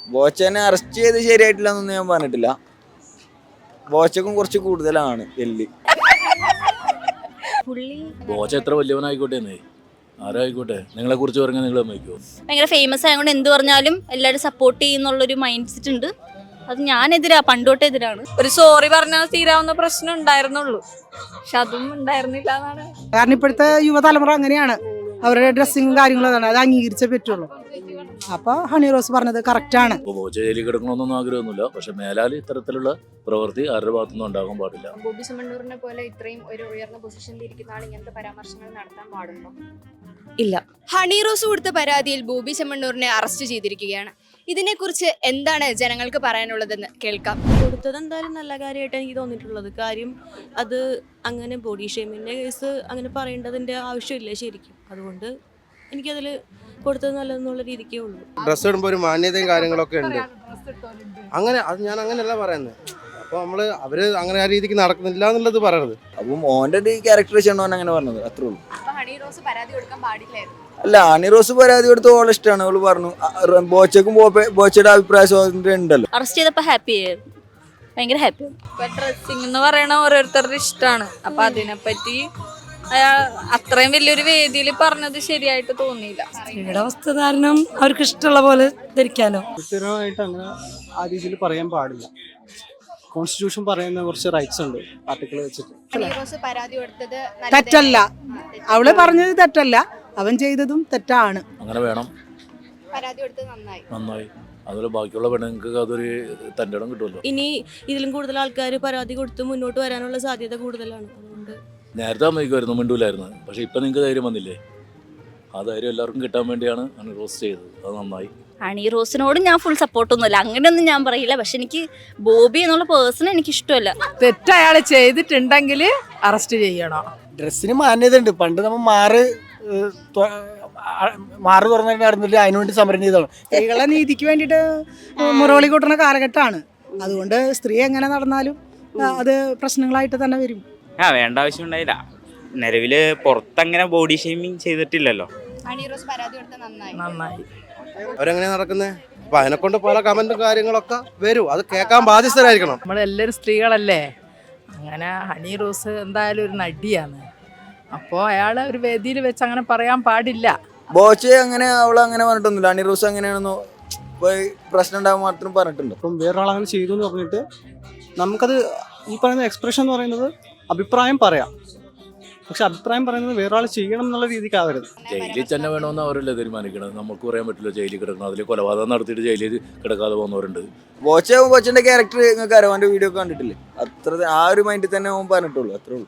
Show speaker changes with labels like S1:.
S1: ബോച്ചനെ arrest ചെയ്ത് ശരിയായിട്ടില്ല എന്നൊന്നും ഞാൻ പറഞ്ഞിട്ടില്ല. ബോച്ചക്കും കുറച്ച് കൂടുതലാണ് എല്ല്.
S2: ബോച്ച എത്ര വലിയവനായിക്കോട്ടെ ആരായിക്കോട്ടെ, നിങ്ങളെ കുറിച്ച് പറഞ്ഞാൽ നിങ്ങൾ സമ്മതിക്കുമോ?
S3: ഭയങ്കര ഫേമസ് ആയതുകൊണ്ട് എന്ത് പറഞ്ഞാലും എല്ലാവരും സപ്പോർട്ട് ചെയ്യുന്നുള്ളൊരു മൈൻഡ് സെറ്റ് ഉണ്ട്. അത് ഞാനെതിരാ, പണ്ടോട്ടെ എതിരാണ്.
S4: ഒരു സോറി പറഞ്ഞാൽ തീരാവുന്ന പ്രശ്നം ഉണ്ടായിരുന്നുള്ളൂ, പക്ഷെ അതും ഉണ്ടായിരുന്നില്ല എന്നാണ്.
S5: കാരണം ഇപ്പോഴത്തെ യുവതലമുറ അങ്ങനെയാണ്, അവരുടെ ഡ്രസ്സിങ്ങും കാര്യങ്ങളും അതാണ്, അത് അംഗീകരിച്ചേ പറ്റുള്ളൂ. അപ്പൊ ഹണി റോസ് പറഞ്ഞത് കറക്റ്റാണ്.
S2: ബോച്ച ജയിലിൽ കിടക്കണമെന്നൊന്നും ആഗ്രഹമൊന്നുമില്ല, പക്ഷെ മേലാൽ ഇത്തരത്തിലുള്ള പ്രവൃത്തി ആരുടെ ഭാഗത്തുനിന്നും ഉണ്ടാകാൻ പാടില്ല.
S6: ബോബി ചെമ്മണ്ണൂരിനെ പോലെ ഇത്രയും ഒരു ഉയർന്ന പൊസിഷനിൽ ഇരിക്കുന്ന ആൾ ഇങ്ങനത്തെ പരാമർശങ്ങൾ നടത്താൻ പാടുണ്ടോ?
S4: ഇല്ല.
S6: ഹണി റോസ് കൊടുത്ത പരാതിയിൽ ബോബി ചെമ്മണ്ണൂരിനെ അറസ്റ്റ് ചെയ്തിരിക്കുകയാണ്. ഇതിനെക്കുറിച്ച് എന്താണ് ജനങ്ങൾക്ക് പറയാനുള്ളതെന്ന് കേൾക്കാം.
S4: കൊടുത്തത് എന്തായാലും നല്ല കാര്യമായിട്ട് എനിക്ക് തോന്നിയിട്ടുള്ളത്. കാര്യം അത് അങ്ങനെ ബോഡി ഷേമിൻ്റെ കേസ് അങ്ങനെ പറയേണ്ടതിൻ്റെ ആവശ്യമില്ല ശരിക്കും. അതുകൊണ്ട് എനിക്കതിൽ കൊടുത്തത് നല്ലതെന്നുള്ള രീതിക്കേ ഉള്ളൂ.
S7: ഡ്രസ്സ് ഇടുമ്പോൾ ഒരു മാന്യതയും കാര്യങ്ങളൊക്കെ ഉണ്ട്. അങ്ങനെ അത് ഞാൻ അങ്ങനെയല്ല പറയുന്നത്. അപ്പോൾ അവര് അങ്ങനെ ആ രീതിക്ക് നടക്കുന്നില്ല എന്നുള്ളത് പറയണത്.
S1: അപ്പം ഓൻ്റെ ഒരു ക്യാരക്ടറൈസേഷൻ ഓൻ അങ്ങനെ പറഞ്ഞത്, അത്രേ ഉള്ളൂ.
S6: ഹണി റോസ് പരാതി കൊടുക്കാൻ പാടില്ലായിരുന്നു.
S1: അല്ല, ഹണി റോസ് പരാതി കൊടുത്ത് ഓളെ ഇഷ്ടമാണ്. അവള് പറഞ്ഞു ബോച്ചക്കും ബോച്ചയുടെ അഭിപ്രായ സ്വാതന്ത്ര്യം ഉണ്ടല്ലോ.
S3: അറസ്റ്റ് ചെയ്തപ്പോൾ ഹാപ്പി ആയിരുന്നു, ഭയങ്കര ഹാപ്പി.
S4: ഇപ്പൊ ഡ്രസ്സിങ് എന്ന് പറയണ ഓരോരുത്തരുടെ ഇഷ്ടമാണ്. അപ്പൊ അതിനെപ്പറ്റി അയാൾ അത്രയും വലിയൊരു വേദിയിൽ പറഞ്ഞത് ശരിയായിട്ട് തോന്നിയില്ല.
S8: സ്ത്രീയുടെ വസ്ത്രധാരണം അവർക്ക് ഇഷ്ടമുള്ള പോലെ ധരിക്കാനോ.
S9: കൃത്യമായിട്ട് അങ്ങനെ ആ രീതിയിൽ പറയാൻ പാടില്ല. കോൺസ്റ്റിറ്റ്യൂഷൻ പറയുന്ന കുറച്ച് റൈറ്റ്സ് ഉണ്ട് ആർട്ടിക്കിൾ വെച്ചിട്ട്.
S6: ഹണി റോസ് പരാതി കൊടുത്തത്
S5: തെറ്റല്ല, അവള് പറഞ്ഞത് തെറ്റല്ല, അവൻ ചെയ്തതും തെറ്റാണ്.
S2: അങ്ങനെ വേണം,
S6: പരാതി കൊടുത്തത്
S2: നന്നായി. അതുപോലെ ബാക്കിയുള്ള പെണ്ണുങ്ങൾക്ക് അതൊരു തൻ്റെ ഇടം കിട്ടുമല്ലോ.
S4: ഇനി ഇതിലും കൂടുതൽ ആൾക്കാർ പരാതി കൊടുത്ത് മുന്നോട്ട് വരാനുള്ള സാധ്യത കൂടുതലാണ്. അതുകൊണ്ട്
S2: നേരത്തെ സമ്മതിക്കുമായിരുന്നു, മിണ്ടൂലായിരുന്നു. പക്ഷെ ഇപ്പം നിങ്ങൾക്ക് ധൈര്യം വന്നില്ലേ? ആ ധൈര്യം എല്ലാവർക്കും കിട്ടാൻ വേണ്ടിയാണ് ഹണി റോസ് ചെയ്തത്. അത് നന്നായി.
S3: ഹണി റോസിനോട് ഞാൻ ഫുൾ സപ്പോർട്ടൊന്നുമില്ല, അങ്ങനെയൊന്നും ഞാൻ പറയില്ല. പക്ഷെ എനിക്ക് ബോബി എന്നുള്ള പേഴ്സൺ എനിക്ക് ഇഷ്ടമല്ല.
S8: തെറ്റ് അയാൾ ചെയ്തിട്ടുണ്ടെങ്കിൽ അറസ്റ്റ് ചെയ്യണം.
S9: ഡ്രസ്സിന് മാന്യത ഉണ്ട്. പണ്ട് നമ്മൾ മാറ് തുറന്നിട്ട് നടന്നില്ല, അതിനുവേണ്ടി സമരം ചെയ്തതാണ്.
S5: സ്ത്രീകളെ നീതിക്ക് വേണ്ടിയിട്ട് മുറവിളി കൂട്ടുന്ന കാലഘട്ടമാണ്. അതുകൊണ്ട് സ്ത്രീ എങ്ങനെ നടന്നാലും അത് പ്രശ്നങ്ങളായിട്ട് തന്നെ വരും.
S10: വേണ്ട ആവശ്യം ഉണ്ടായില്ല. നിലവില് പുറത്തങ്ങനെ ബോഡി ഷെയ്മിങ് ചെയ്തിട്ടില്ലല്ലോ.
S6: ഹണി റോസ് പരാതി കൊടുത്തത്
S8: നന്നായി.
S7: അവരെങ്ങനെ നടക്കുന്നത്? അപ്പൊ അതിനെക്കൊണ്ട് പല കമന്റും കാര്യങ്ങളൊക്കെ വരും. അത് കേൾക്കാൻ ബാധ്യസ്ഥരായിരിക്കണം.
S8: നമ്മളെല്ലാവരും സ്ത്രീകളല്ലേ. അങ്ങനെ ഹണി റോസ് എന്തായാലും ഒരു നടിയാണ്. അപ്പോൾ അയാൾ ഒരു വേദിയിൽ വെച്ച് അങ്ങനെ പറയാൻ പാടില്ല.
S1: ബോച്ചെ അങ്ങനെ അവളങ്ങനെ പറഞ്ഞിട്ടൊന്നുമില്ല. ഹണി റോസ് അങ്ങനെയാണെന്നോ പ്രശ്നം ഉണ്ടാകാൻ മാത്രം പറഞ്ഞിട്ടുണ്ടോ?
S9: അപ്പം വേറൊരാളങ്ങനെ ചെയ്തു എന്ന് പറഞ്ഞിട്ട് നമുക്കത് ഈ പറയുന്ന എക്സ്പ്രഷൻ എന്ന് പറയുന്നത് അഭിപ്രായം പറയാം. പക്ഷെ അഭിപ്രായം പറയുന്നത് വേറൊരാൾ ചെയ്യണം എന്നുള്ള രീതിക്കാവരുത്.
S2: ജയിലിൽ തന്നെ വേണമെന്ന് അവരല്ലേ തീരുമാനിക്കണം. നമുക്ക് പറയാൻ പറ്റില്ല ജയിലിൽ കിടക്കണം. അതിൽ കൊലപാതകം നടത്തിയിട്ട് ജയിലിൽ കിടക്കാതെ പോകുന്നവരുണ്ട്.
S1: ബോച്ചന്റെ ക്യാരക്ടർ നിങ്ങൾക്ക് അറിയാം, അവൻ്റെ വീഡിയോ കണ്ടിട്ടില്ലേ? അത്ര ആ ഒരു മൈൻഡിൽ തന്നെ അവൻ പറഞ്ഞിട്ടുള്ളൂ, അത്രേ ഉള്ളൂ.